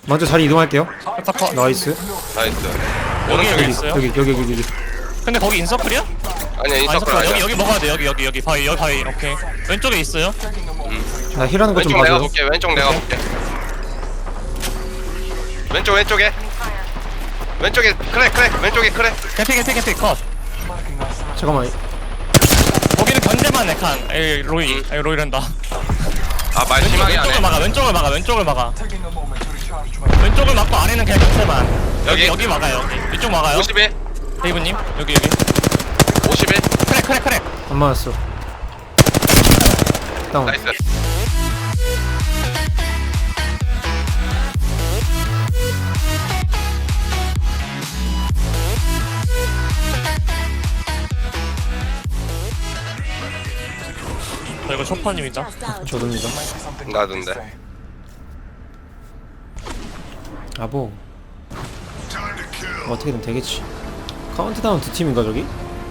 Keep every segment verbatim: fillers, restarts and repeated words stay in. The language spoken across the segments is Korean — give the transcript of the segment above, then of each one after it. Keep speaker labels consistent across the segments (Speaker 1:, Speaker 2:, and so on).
Speaker 1: 먼저 자리 이동할게요.
Speaker 2: 컷.
Speaker 1: 나이스.
Speaker 3: 나이스.
Speaker 2: 여기
Speaker 3: 오른쪽에
Speaker 2: 여기
Speaker 3: 있어.
Speaker 2: 있어요?
Speaker 1: 여기 여기 여기 여기.
Speaker 2: 근데 거기 인서클이야?
Speaker 3: 아니야
Speaker 2: 아,
Speaker 3: 인서클
Speaker 2: 인서클
Speaker 3: 아니야.
Speaker 2: 여기 여기 먹어야 돼. 여기 여기 여기 바위 여기 바위. 오케이. 왼쪽에 있어요.
Speaker 1: 나 힐하는 거 좀
Speaker 3: 왼쪽 내가
Speaker 1: 봐줘.
Speaker 3: 볼게. 왼쪽 내가 볼게. 왼쪽 왼쪽에. 왼쪽에 크랙 크랙 왼쪽에 크랙.
Speaker 2: 개피 개피 개피 컷.
Speaker 1: 잠깐만.
Speaker 2: 거기는 견제만 해 칸. 에이 로이.
Speaker 3: 음.
Speaker 2: 에이 로이란다.
Speaker 3: 아 말
Speaker 2: 왼쪽,
Speaker 3: 심하게
Speaker 2: 왼쪽을
Speaker 3: 하네.
Speaker 2: 막아. 왼쪽을 막아. 왼쪽을 막아. 왼쪽을 막고 안에는 그냥 견제만. 여기
Speaker 3: 여기.
Speaker 2: 여기 막아요. 여기. 이쪽 막아요.
Speaker 3: 오십일
Speaker 2: 데이브님 여기 여기.
Speaker 3: 오십일
Speaker 2: 크랙 크랙 크랙.
Speaker 1: 안 맞았어. 다운.
Speaker 3: 나이스.
Speaker 2: 저 이거 초파님이다.
Speaker 1: 저도입니다.
Speaker 3: 나던데.
Speaker 1: 아보. 어떻게든 되겠지. 카운트다운 두 팀인가 저기?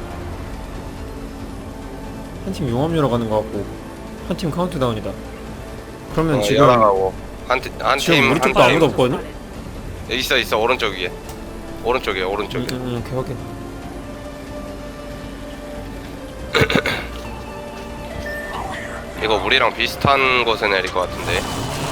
Speaker 1: 한 팀 용암유러 가는 거 같고 한 팀 카운트다운이다. 그러면
Speaker 3: 어,
Speaker 1: 지금
Speaker 3: 열하고 한팀한
Speaker 1: 지금
Speaker 3: 팀
Speaker 1: 우리
Speaker 3: 한
Speaker 1: 쪽도 아무도
Speaker 3: 팀.
Speaker 1: 없거든요?
Speaker 3: 있어 있어 오른쪽 위에. 오른쪽에 오른쪽에.
Speaker 1: 응, 응, 오케이 확인.
Speaker 3: 이거 우리랑 비슷한 곳에 내릴 것 같은데.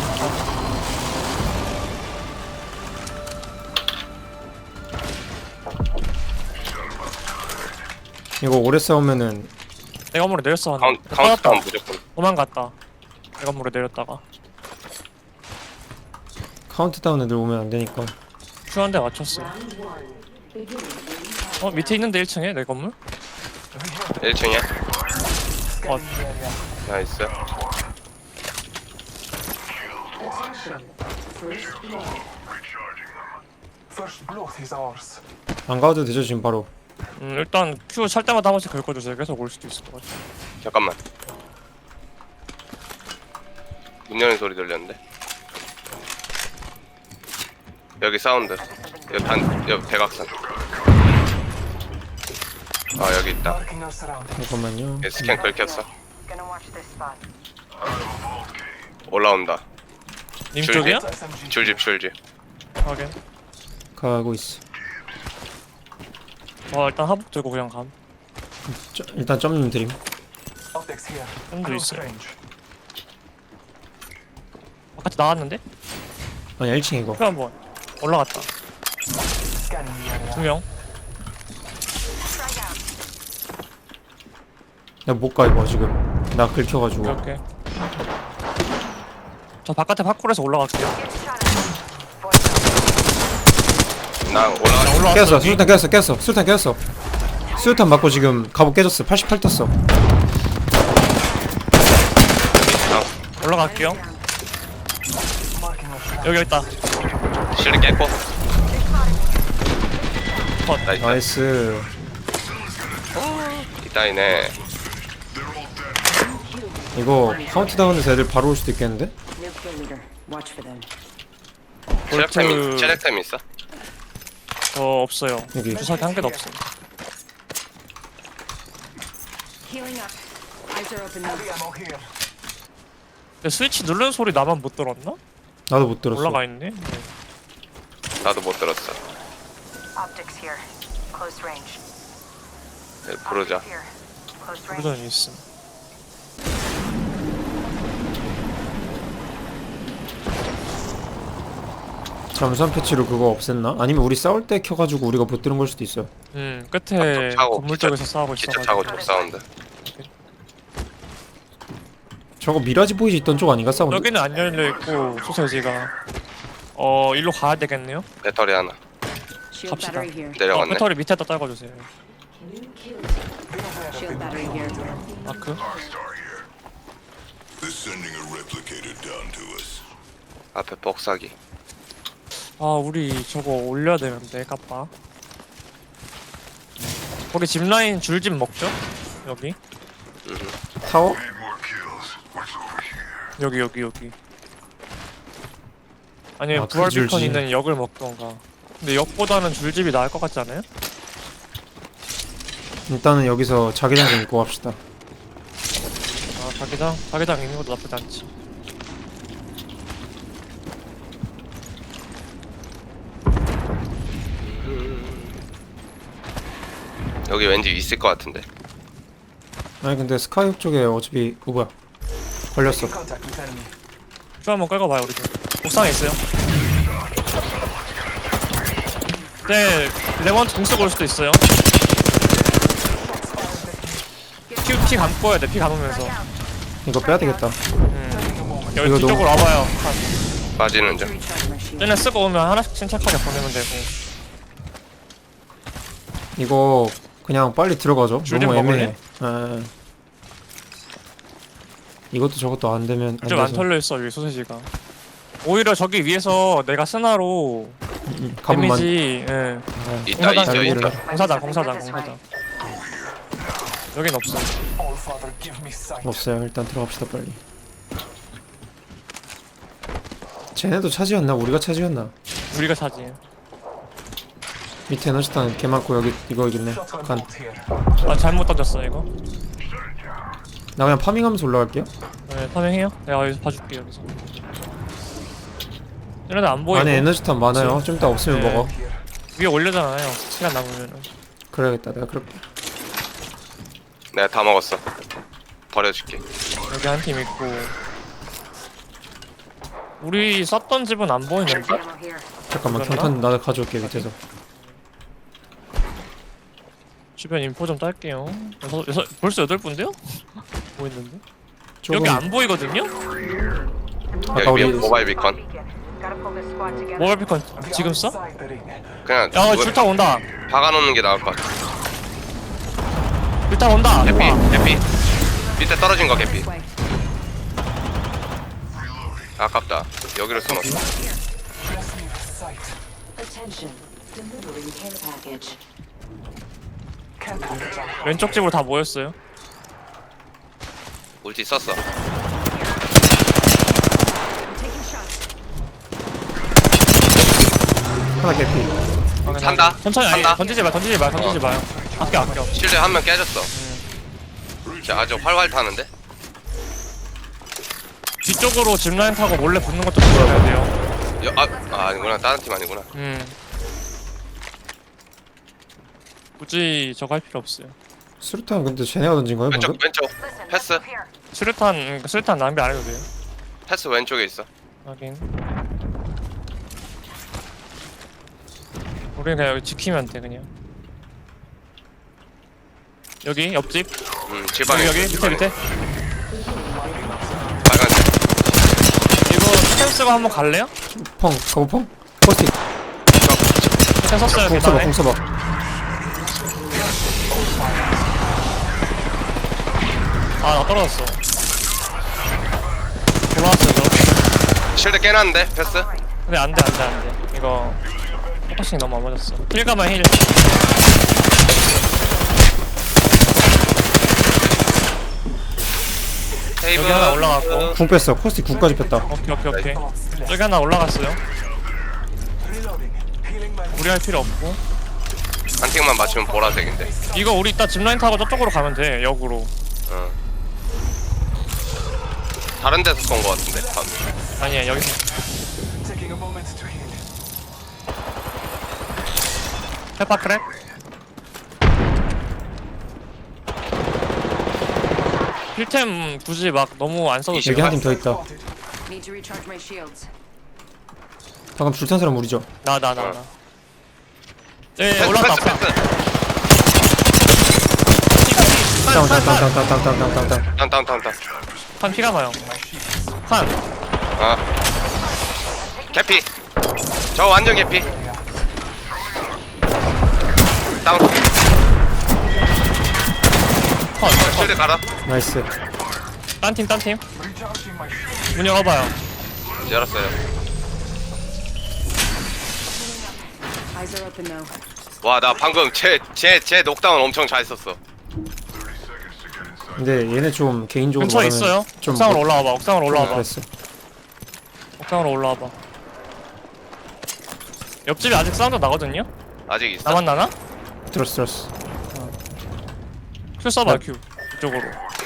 Speaker 1: 이거 오래 싸우면은
Speaker 2: 내가 물에 내렸어 하나.
Speaker 3: 카운 카운트다운 무조건.
Speaker 2: 도망갔다. 내가 물에 내렸다가
Speaker 1: 카운트다운 애들 오면 안 되니까.
Speaker 2: 큐 한 대 맞췄어. 어 밑에 있는데 일 층에 내 건물?
Speaker 3: 일 층에.
Speaker 2: 어
Speaker 3: 나이스.
Speaker 1: 안 가도 되죠 지금 바로.
Speaker 2: 음, 일단 큐 찰 때마다 한 번씩 긁어주세요. 계속 올 수도 있을 것 같아.
Speaker 3: 잠깐만. 문 여는 소리 들렸는데. 여기 사운드. 여기 단 여기 대각선. 아 여기 있다.
Speaker 1: 잠깐만요.
Speaker 3: 여기 스캔 긁혔어. 올라온다.
Speaker 2: 님
Speaker 3: 줄기?
Speaker 2: 쪽이야?
Speaker 3: 줄집 줄집.
Speaker 2: 확인.
Speaker 1: 가고 있어.
Speaker 2: 어 일단 하복 들고 그냥 감.
Speaker 1: 저, 일단 점님 드림.
Speaker 2: 햄도 있어. 바깥에 나왔는데?
Speaker 1: 아니 일 층 이거.
Speaker 2: 큐 한번 올라갔다. 두 명.
Speaker 1: 나 못 가 이거 지금. 나 긁혀가지고.
Speaker 2: 오케이 오케이. 저 바깥에 파쿠르에서 올라갈게요.
Speaker 3: 나
Speaker 2: 자,
Speaker 3: 올라가.
Speaker 2: 올라왔어.
Speaker 1: 깼어.
Speaker 2: 여기.
Speaker 1: 수류탄 깼어. 깼어. 수류탄 깼어. 수류탄 맞고 지금 갑옷 깨졌어. 팔십팔 떴어.
Speaker 2: 올라갈게요. 여기 있다.
Speaker 3: 실리 깼고.
Speaker 2: 컷.
Speaker 3: 나이스.
Speaker 1: 나이스.
Speaker 3: 이따이네.
Speaker 1: 이거 카운트다운에서 애들 바로 올 수도 있겠는데?
Speaker 4: New kill leader. Watch for them.
Speaker 3: 체력템
Speaker 2: 볼트-
Speaker 3: 체력템 있어?
Speaker 2: 저 없어요.
Speaker 1: 여기.
Speaker 2: 주사기 한 개도 없어.
Speaker 4: Healing up. Eyes are open now.
Speaker 2: 근데 스위치 누르는 소리 나만 못 들었나?
Speaker 1: 나도 못 들었어.
Speaker 2: 올라가 있네. 네.
Speaker 3: 나도 못 들었어.
Speaker 5: Optics here. Close range.
Speaker 3: 네, 부르자.
Speaker 5: Here. Close range.
Speaker 2: 부르전이 있음.
Speaker 1: 잠수함 패치로 그거 없앴나? 아니면 우리 싸울 때 켜가지고 우리가 못 들은 걸 수도 있어.
Speaker 2: 음 끝에
Speaker 3: 아, 차고,
Speaker 2: 건물
Speaker 3: 기차-
Speaker 2: 쪽에서 싸우고
Speaker 3: 기차
Speaker 2: 있어가지고.
Speaker 3: 차고 쪽 사운드.
Speaker 1: 저거 미라지 보이지 있던 쪽 아닌가 사운드?
Speaker 2: 여기는 안 열려 있고 소세지가 어 일로 가야 되겠네요.
Speaker 3: 배터리 하나.
Speaker 4: Shield
Speaker 2: 갑시다.
Speaker 4: battery here.
Speaker 2: 어,
Speaker 3: 내려갔네.
Speaker 2: 배터리 밑에다 떨궈주세요.
Speaker 4: Shield battery here.
Speaker 2: 마크.
Speaker 6: They're sending a replicator down to us.
Speaker 3: 앞에 복사기.
Speaker 2: 아 우리 저거 올려야 되는데 까빠. 거기 짚라인 줄집 먹죠? 여기
Speaker 1: 타워?
Speaker 6: Need more kills. What's over here?
Speaker 2: 여기 여기 여기. 아니면
Speaker 1: 아, 그
Speaker 2: 부활 비컨
Speaker 1: 줄집.
Speaker 2: 있는 역을 먹던가. 근데 역보다는 줄집이 나을 것 같지 않아요?
Speaker 1: 일단은 여기서 자기장 좀 입고 갑시다.
Speaker 2: 아 자기장? 자기장 있는 것도 나쁘지 않지.
Speaker 3: 여기 왠지 있을 것 같은데.
Speaker 1: 아니 근데 스카이업 쪽에 어차피 어 뭐야 걸렸어.
Speaker 2: 쭉 한번 끌고 봐요 우리도. 옥상에 있어요. 네, 레몬 공 쓰고 올 수도 있어요. 피, 피 감고 해야 돼. 피 감으면서.
Speaker 1: 이거 빼야 되겠다.
Speaker 2: 음. 여기
Speaker 1: 이거
Speaker 2: 뒤쪽으로
Speaker 1: 너무-
Speaker 2: 와봐요.
Speaker 3: 빠지는 중.
Speaker 4: Recharge my shield.
Speaker 2: 쟤네 쓰고 오면 하나씩 침착하게 보내면 되고.
Speaker 1: 이거 그냥 빨리 들어가죠.
Speaker 2: 줄
Speaker 1: 너무
Speaker 2: 좀
Speaker 1: 애매해. 아, 이것도 저것도 안 되면 안
Speaker 2: 좀 안
Speaker 1: 돼서.
Speaker 2: 털려 있어 여기 소세지가. 오히려 저기 위에서 내가 스나로
Speaker 1: 음, 가본만.
Speaker 2: 데미지. 예.
Speaker 1: 아,
Speaker 3: 있다
Speaker 2: 공사장
Speaker 3: 있어
Speaker 1: 달리기를
Speaker 3: 있다.
Speaker 1: 해.
Speaker 2: 공사장 공사장 공사장. 여긴 없어.
Speaker 1: 없어요. 일단 들어갑시다 빨리. 쟤네도 차지였나? 우리가 차지였나?
Speaker 2: 우리가 차지.
Speaker 1: 밑에 에너지탄 개 많고 여기 이거이겠네. 간.
Speaker 2: 아 잘못 던졌어 이거.
Speaker 1: 나 그냥 파밍하면서 올라갈게요.
Speaker 2: 네, 파밍해요. 내가 여기서 봐줄게 여기서. 얘네들 안 보이고
Speaker 1: 안에 에너지탄 많아요. 좀 이따 없으면
Speaker 2: 네.
Speaker 1: 먹어.
Speaker 2: 위에 올려잖아요. 시간 남으면은.
Speaker 1: 그래야겠다. 내가 그럴게.
Speaker 3: 내가 다 먹었어. 버려줄게.
Speaker 2: 여기 한 팀 있고. 우리 쐈던 집은 안 보이는데?
Speaker 5: Ammo here.
Speaker 1: 잠깐만
Speaker 2: 그랬나?
Speaker 1: 경탄 나도 가져올게 밑에서.
Speaker 2: 주변 인포 좀 딸게요. 여섯, 여섯, 벌써 여덟 분인데요? 보이는데?
Speaker 1: 조금
Speaker 2: 여기 안 보이거든요?
Speaker 1: 아까
Speaker 3: 여기
Speaker 1: 우리
Speaker 3: 모바일 비컨.
Speaker 5: Gotta pull this squad together.
Speaker 2: 모바일 비컨 지금 써?
Speaker 3: 그냥
Speaker 2: 야,
Speaker 3: 누구-
Speaker 2: 줄타 온다.
Speaker 3: 박아놓는 게 나을 것 같아.
Speaker 2: 줄타 온다.
Speaker 3: 개피
Speaker 2: 와.
Speaker 3: 개피. 밑에 떨어진 거 개피.
Speaker 4: This way.
Speaker 3: 아깝다. 여기로 숨었어.
Speaker 7: Attention, delivering care package.
Speaker 2: 왼쪽 집으로 다 모였어요.
Speaker 3: 울티 썼어.
Speaker 4: I'm taking shots.
Speaker 1: 하나 개피.
Speaker 3: 산다.
Speaker 2: 천천히 아니
Speaker 3: 산다.
Speaker 2: 던지지 마, 던지지 마, 던지지
Speaker 3: 어.
Speaker 2: 마요. 아껴 아껴.
Speaker 3: 실드 한 명 깨졌어. 자, 아주 활활 타는데?
Speaker 2: 뒤쪽으로 짚라인 타고 몰래 붙는 것도 조심해야 돼요.
Speaker 3: 여, 아, 아 아니구나. 다른 팀 아니구나.
Speaker 2: 음. 굳이 저거 할 필요 없어요.
Speaker 1: 수류탄 근데 쟤네가 던진 거예요
Speaker 3: 왼쪽
Speaker 1: 방금?
Speaker 3: 왼쪽.
Speaker 5: Listen,
Speaker 3: 패스.
Speaker 5: up here.
Speaker 2: 수류탄, 음, 수류탄 낭비 안 해도 돼요.
Speaker 3: 패스 왼쪽에 있어.
Speaker 2: 하긴. 우리 그냥 여기 지키면 돼 그냥. 여기 옆집.
Speaker 3: 음, 집안에
Speaker 2: 여기 여기
Speaker 3: 있어,
Speaker 2: 밑에
Speaker 3: 집안에.
Speaker 2: 밑에.
Speaker 3: 빨간색.
Speaker 2: 이거 스템 쓰고 한번 갈래요?
Speaker 1: 펑 가보 펑. 포스틱.
Speaker 2: 스템 썼어요
Speaker 1: 공 써봐
Speaker 2: 계단에.
Speaker 1: 공 써봐.
Speaker 2: 아 나 떨어졌어. 올라왔어요 저.
Speaker 3: 실드 깨놨는데 패스.
Speaker 2: 근데 안돼 안돼 안돼. 이거 포커싱 너무 안 맞았어. 힐가만 힐.
Speaker 3: 테이블.
Speaker 2: 여기 하나 올라갔고.
Speaker 1: 궁 뺐어. 포스틱 궁까지 뺐다.
Speaker 2: 오케이 오케이 오케이. 여기 하나 올라갔어요. 우리 할 필요 없고.
Speaker 3: 한 팀만 맞추면 보라색인데.
Speaker 2: 이거 우리 이따 짚라인 타고 저쪽으로 가면 돼. 역으로.
Speaker 3: 어. 다른 데서 쏜 거 같은데. 방.
Speaker 2: 아니야 여기서. 페파 크랙. 힐템 굳이 막 너무 안 써도
Speaker 3: 이십
Speaker 1: 여기
Speaker 2: 돼요.
Speaker 1: 한 팀 더 있다.
Speaker 4: Need to recharge my shields.
Speaker 1: 방금 줄탄 사람 우리죠?
Speaker 2: 나 나 나 나. 예
Speaker 3: 패스
Speaker 2: 올라왔다.
Speaker 3: 패스 패스.
Speaker 1: 다운 다운 다운 다운 다운 다운 다운 다운 다운.
Speaker 3: 다운 다운 다운 다운.
Speaker 2: 한 피가 나요. 한.
Speaker 3: 아. 개피. 저 완전 개피. 다운.
Speaker 2: 컷.
Speaker 3: 실드 갈아.
Speaker 1: 나이스.
Speaker 2: 딴 팀, 딴 팀. 문 열어봐요.
Speaker 3: 열었어요.
Speaker 4: Eyes are open though.
Speaker 3: 와, 나 방금 제 제 제 녹다운 엄청 잘 썼어.
Speaker 1: 근데 얘네 좀 개인적으로
Speaker 2: 근처에
Speaker 1: 말하면
Speaker 2: 있어요.
Speaker 1: 좀
Speaker 2: 옥상으로
Speaker 1: 뭐-
Speaker 2: 올라와봐. 옥상으로
Speaker 1: 좀
Speaker 2: 올라와봐.
Speaker 1: 그랬어.
Speaker 2: 옥상으로 올라와봐. 옆집에 아직 사운드 나거든요?
Speaker 3: 아직 있어.
Speaker 2: 나만 나나?
Speaker 1: 들었어 들었어.
Speaker 2: 큐 써봐,
Speaker 1: 나-
Speaker 2: 큐. 이쪽으로.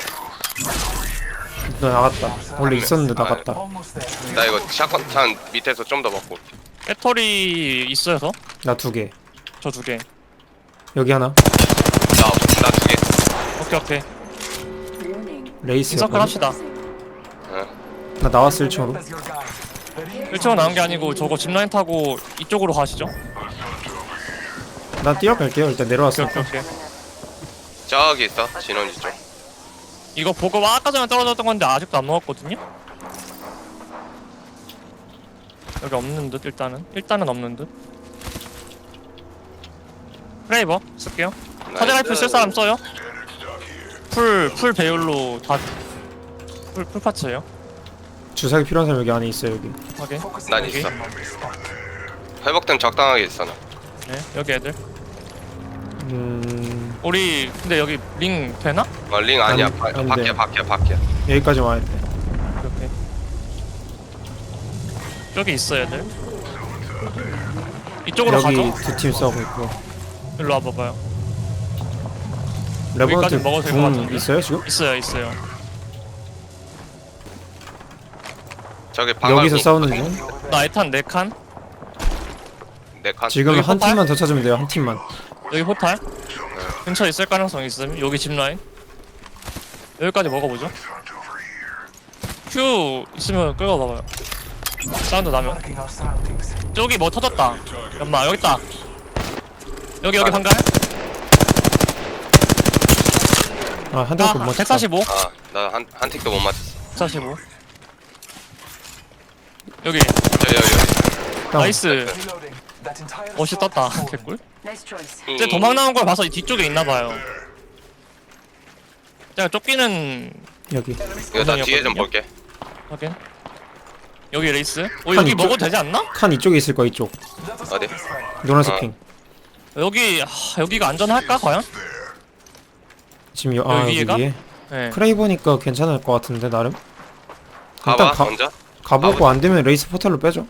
Speaker 1: 너 나갔다. 원래 있었는데
Speaker 3: 아,
Speaker 1: 나갔다.
Speaker 3: 나 이거 샷건 탄 밑에서 좀 더 먹고. 올게.
Speaker 2: 배터리 있어요, 저?
Speaker 1: 나 두 개.
Speaker 2: 저 두 개.
Speaker 1: 여기 하나.
Speaker 3: 나 두 개.
Speaker 2: 오케이 오케이.
Speaker 7: Warning.
Speaker 1: 레이스.
Speaker 2: 인서클 합시다.
Speaker 1: 나 나왔어 일 층으로.
Speaker 2: 일 층으로 나온 게 아니고 저거 짚라인 타고 이쪽으로 가시죠.
Speaker 1: 난 뛰어갈게요. 일단
Speaker 2: 오케이
Speaker 1: 내려왔으니까.
Speaker 2: 오케이 오케이.
Speaker 3: 저기 있어. 진원지 쪽.
Speaker 2: 이거 보급 아까 전에 떨어졌던 건데 아직도 안 먹었거든요? 여기 없는 듯 일단은 일단은 없는 듯 프레이버 쓸게요. 카드 라이플 쓸 사람 써요? 풀, 풀 배율로 다 풀, 풀 파츠예요.
Speaker 1: 주사기 필요한 사람 여기 안에 있어요 여기.
Speaker 2: 확인.
Speaker 3: 난
Speaker 2: 여기.
Speaker 3: 있어. 회복템 적당하게 있어 나.
Speaker 2: 네, 여기 애들.
Speaker 1: 음
Speaker 2: 우리 근데 여기 링 되나?
Speaker 3: 어, 링 아니야.
Speaker 1: 안-
Speaker 3: 바,
Speaker 1: 안
Speaker 3: 밖에
Speaker 1: 돼.
Speaker 3: 밖에 밖에.
Speaker 1: 여기까지 와야 돼.
Speaker 2: 이렇게. 여기 있어 애들. 이쪽으로
Speaker 1: 여기
Speaker 2: 가죠.
Speaker 1: 두 팀 싸우고 있고.
Speaker 2: 일로 와봐봐요.
Speaker 1: 레버넌트
Speaker 2: 여기까지 먹어도 될것
Speaker 1: 궁
Speaker 2: 같은데?
Speaker 1: 있어요 지금?
Speaker 2: 있어요, 있어요.
Speaker 3: 저기 방금
Speaker 1: 여기서 싸우는 중.
Speaker 2: 나 에탄 네 칸.
Speaker 3: 네 칸.
Speaker 1: 지금
Speaker 2: 여기
Speaker 1: 한
Speaker 2: 포탈?
Speaker 1: 팀만 더 찾으면 돼요. 한 팀만.
Speaker 2: 여기 호탈. 근처에 있을 가능성이 있음. 여기 짚라인. 여기까지 먹어보죠. 큐 있으면 끌고 봐봐요. 사운드 나면. 저기 뭐 터졌다. 연마 여기 있다. 여기 여기 방갈.
Speaker 1: 아한 대밖에 못
Speaker 2: 아,
Speaker 1: 맞췄다.
Speaker 2: 백사십오.
Speaker 3: 아, 나 한 한 틱도 못 맞췄어.
Speaker 2: 백사십오. 여기
Speaker 3: 저기 여기.
Speaker 1: 다운.
Speaker 2: 나이스. 멋이 떴다. 개꿀.
Speaker 4: Nice choice.
Speaker 3: 여기.
Speaker 2: 쟤 도망 나온 걸 봐서 이 뒤쪽에 있나봐요. 제가 쫓기는
Speaker 1: 여기.
Speaker 3: 이거 나 뒤에 좀
Speaker 2: 거든요?
Speaker 3: 볼게.
Speaker 2: 확인. 여기 레이스. 어
Speaker 1: 한
Speaker 2: 여기
Speaker 1: 이쪽-
Speaker 2: 먹어도 되지 않나?
Speaker 1: 칸 이쪽에 있을 거야 이쪽.
Speaker 3: 어디?
Speaker 1: 노란색
Speaker 3: 아.
Speaker 1: 핑.
Speaker 2: 여기 하, 여기가 안전할까 과연?
Speaker 1: 지금 여, 아
Speaker 2: 여기
Speaker 1: 여기
Speaker 2: 위에가?
Speaker 1: 위에.
Speaker 2: 네.
Speaker 1: 크레이버니까 괜찮을 것 같은데 나름.
Speaker 3: 가봐
Speaker 1: 일단 가,
Speaker 3: 먼저.
Speaker 1: 가보고
Speaker 3: 가보자.
Speaker 1: 안 되면 레이스 포탈로 빼죠.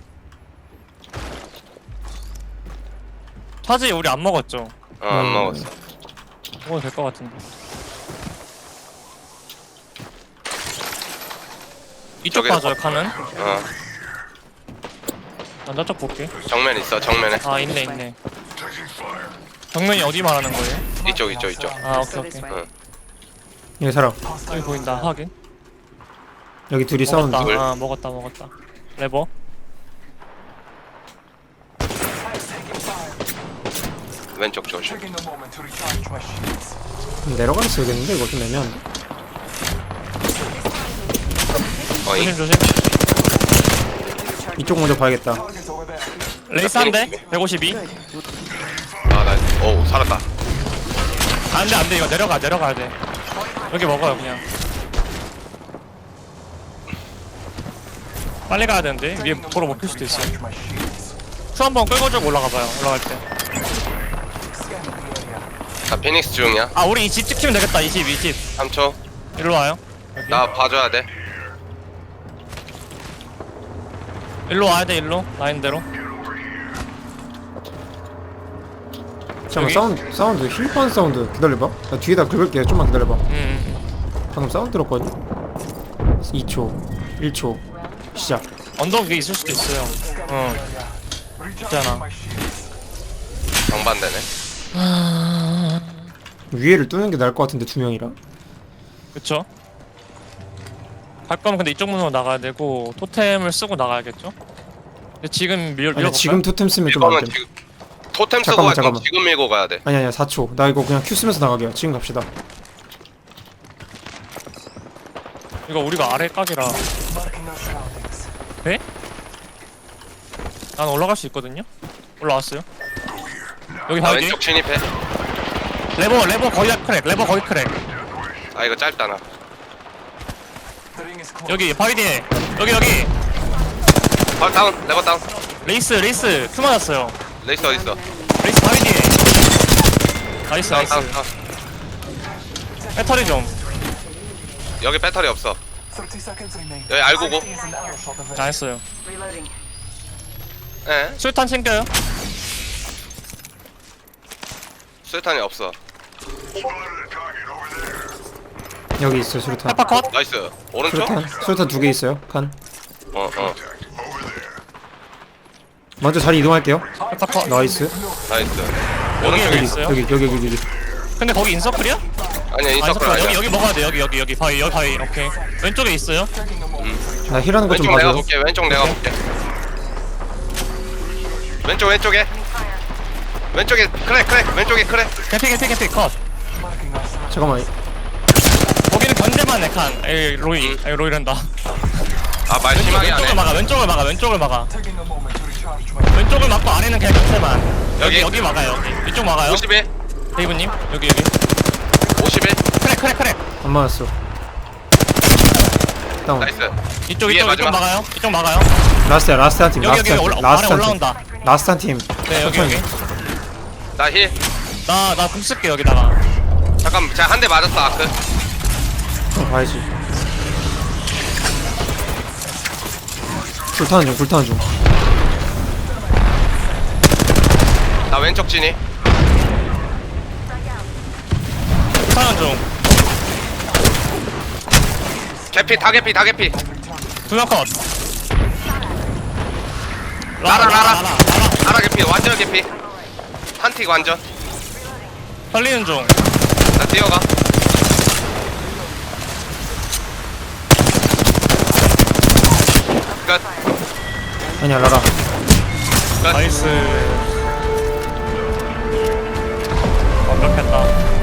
Speaker 2: 차지 우리 안 먹었죠?
Speaker 3: 어, 안
Speaker 1: 음.
Speaker 3: 먹었어.
Speaker 2: 먹어도 될 것 같은데. 이쪽
Speaker 3: 저기다
Speaker 2: 봐줘요 칸은.
Speaker 3: 어,
Speaker 2: 난 저쪽 볼게.
Speaker 3: 정면 있어. 정면에.
Speaker 2: 아 있네 있네. 정면이 어디 말하는 거예요?
Speaker 3: 이쪽 이쪽 이쪽.
Speaker 2: 아 오케이
Speaker 4: So this
Speaker 2: 오케이.
Speaker 4: way.
Speaker 3: 응.
Speaker 1: 여기 사람.
Speaker 2: 여기 보인다. 확인.
Speaker 1: 여기 둘이 싸우는
Speaker 2: 먹었다.
Speaker 1: 중.
Speaker 2: 아 먹었다 먹었다. 레버.
Speaker 3: 왼쪽 조심.
Speaker 1: 내려가서 써야겠는데 이거 좀 애매한데.
Speaker 3: 어잉.
Speaker 2: 조심 조심.
Speaker 1: 이쪽 먼저 봐야겠다.
Speaker 2: 레이스 한 대. 백오십이.
Speaker 3: 아, 나, 오, 살았다.
Speaker 2: 안돼 안돼 이거 내려가 내려가야 돼. 여기 먹어요 그냥. 빨리 가야 되는데 위에 도로 못 필 수도 있어. 큐 한번 끌고 쭉 올라가봐요. 올라갈 때.
Speaker 3: 나 피닉스 중이야.
Speaker 2: 아 우리 이 집 찍히면 되겠다. 이 집 이 집.
Speaker 3: 삼 초.
Speaker 2: 일로 와요. 여기.
Speaker 3: 나 봐줘야 돼.
Speaker 2: 일로 와야 돼 일로 라인대로.
Speaker 1: 잠깐
Speaker 2: 여기?
Speaker 1: 사운드 사운드 힐pan 사운드 기다려봐. 나 뒤에다 긁을게. 좀만 기다려봐.
Speaker 2: 음.
Speaker 1: 방금 사운드 들었거든. 이 초, 일 초 시작.
Speaker 2: 언덕 위에 있을 수도 있어요. 어. 있잖아.
Speaker 3: 정반대네.
Speaker 1: 위에를 뚫는 게 나을 것 같은데 두 명이라.
Speaker 2: 그쵸? 갈 거면 근데 이쪽 문으로 나가야 되고 토템을 쓰고 나가야겠죠? 근데 지금 밀
Speaker 1: 아니
Speaker 2: 밀어볼까요?
Speaker 1: 지금 토템 쓰면 좀 안
Speaker 3: 이거는
Speaker 1: 돼.
Speaker 3: 지금 토템 쓰고
Speaker 1: 잠깐만,
Speaker 3: 갈 거면
Speaker 1: 잠깐만.
Speaker 3: 지금 밀고 가야 돼.
Speaker 1: 아니 아니야 사 초. 나 이거 그냥 큐 쓰면서 나가게요. 지금 갑시다.
Speaker 2: 이거 우리가 아래 각이라. 네? 난 올라갈 수 있거든요? 올라왔어요. 여기
Speaker 3: 나
Speaker 2: 바위
Speaker 3: 왼쪽 진입해.
Speaker 2: 레버 레버 거의 다 크랙 레버 거의 크랙.
Speaker 3: 아, 이거 짧다 나.
Speaker 2: 여기 바위 뒤에 여기 여기
Speaker 3: 헐 다운. 레버 다운.
Speaker 2: 레이스 레이스 큐 맞았어요.
Speaker 3: 레이스 어디 있어?
Speaker 2: 레이스 바위 뒤에. 나이스
Speaker 3: 다운
Speaker 2: 나이스.
Speaker 3: 다운 다운.
Speaker 2: 배터리 좀.
Speaker 3: 여기 배터리 없어. 여기 알고고.
Speaker 2: 나이스요.
Speaker 4: Reloading.
Speaker 3: 예.
Speaker 2: 술탄 챙겨요.
Speaker 3: 수류탄이 없어.
Speaker 1: 여기 있어 수류탄.
Speaker 2: 페퍼컷.
Speaker 3: 나이스. 오른쪽?
Speaker 1: 수류탄 수류탄 두 개 있어요. 칸.
Speaker 3: 어 어.
Speaker 1: 먼저 자리 이동할게요.
Speaker 2: 페퍼컷.
Speaker 1: 나이스.
Speaker 3: 나이스.
Speaker 2: 여기
Speaker 3: 오른쪽에
Speaker 2: 여기
Speaker 1: 여기
Speaker 2: 있어요.
Speaker 1: 여기 여기 여기 여기.
Speaker 2: 근데 거기 인서클이야?
Speaker 3: 아니야
Speaker 2: 아,
Speaker 3: 인서클
Speaker 2: 인서클
Speaker 3: 아니야.
Speaker 2: 여기 여기 먹어야 돼. 여기 여기 여기 바위 여기 바위. 오케이. 왼쪽에 있어요.
Speaker 1: 나 힐하는 거 좀
Speaker 3: 왼쪽 내가
Speaker 1: 봐줘.
Speaker 3: 볼게. 왼쪽 내가 볼게. 왼쪽 왼쪽에. 왼쪽에 그래 그래 왼쪽에 그래.
Speaker 2: 개피 개피 개피 컷.
Speaker 1: 잠깐만.
Speaker 2: 거기는 견제만 해 칸. 에이 로이.
Speaker 3: 음.
Speaker 2: 에이 로이란다.
Speaker 3: 아 말
Speaker 2: 왼쪽,
Speaker 3: 심하게
Speaker 2: 왼쪽을
Speaker 3: 하네.
Speaker 2: 막아. 왼쪽을 막아. 왼쪽을 막아. 왼쪽을 막고 안에는 그냥 견제만. 여기
Speaker 3: 여기.
Speaker 2: 여기 막아요. 여기. 이쪽 막아요.
Speaker 3: 오십일
Speaker 2: 데이브님 여기 여기.
Speaker 3: 오십일
Speaker 2: 크랙 크랙 크랙.
Speaker 1: 안 맞았어. 다운.
Speaker 3: 나이스.
Speaker 2: 이쪽
Speaker 3: 위에
Speaker 2: 이쪽 이쪽
Speaker 3: 마지막.
Speaker 2: 막아요. 이쪽 막아요.
Speaker 1: 라스트야 라스트 한 팀.
Speaker 2: 여기
Speaker 1: 라스트
Speaker 2: 여기
Speaker 1: 한
Speaker 2: 올라
Speaker 1: 팀.
Speaker 2: 아래
Speaker 1: 라스트 한 팀.
Speaker 2: 올라온다.
Speaker 1: 라스트 한 팀.
Speaker 2: 네 여기 여기.
Speaker 3: 나 힐.
Speaker 2: 나나궁 쓸게 여기다가.
Speaker 3: 잠깐 제가 한 대 맞았어 아크.
Speaker 1: 어, 봐야지. 불타는 중 불타는 중.
Speaker 3: 나 왼쪽 진이.
Speaker 2: 사는 중.
Speaker 3: 개피 다 개피 다 개피.
Speaker 2: 두명 컷.
Speaker 3: 라라, 라라.
Speaker 2: 라라.
Speaker 3: 하나 개피 완전 개피. 한틱 완전.
Speaker 2: 살리는 중.
Speaker 3: 나 뛰어가. 끝.
Speaker 1: 아니야 라라.
Speaker 3: 끝.
Speaker 2: 나이스. 완벽했다.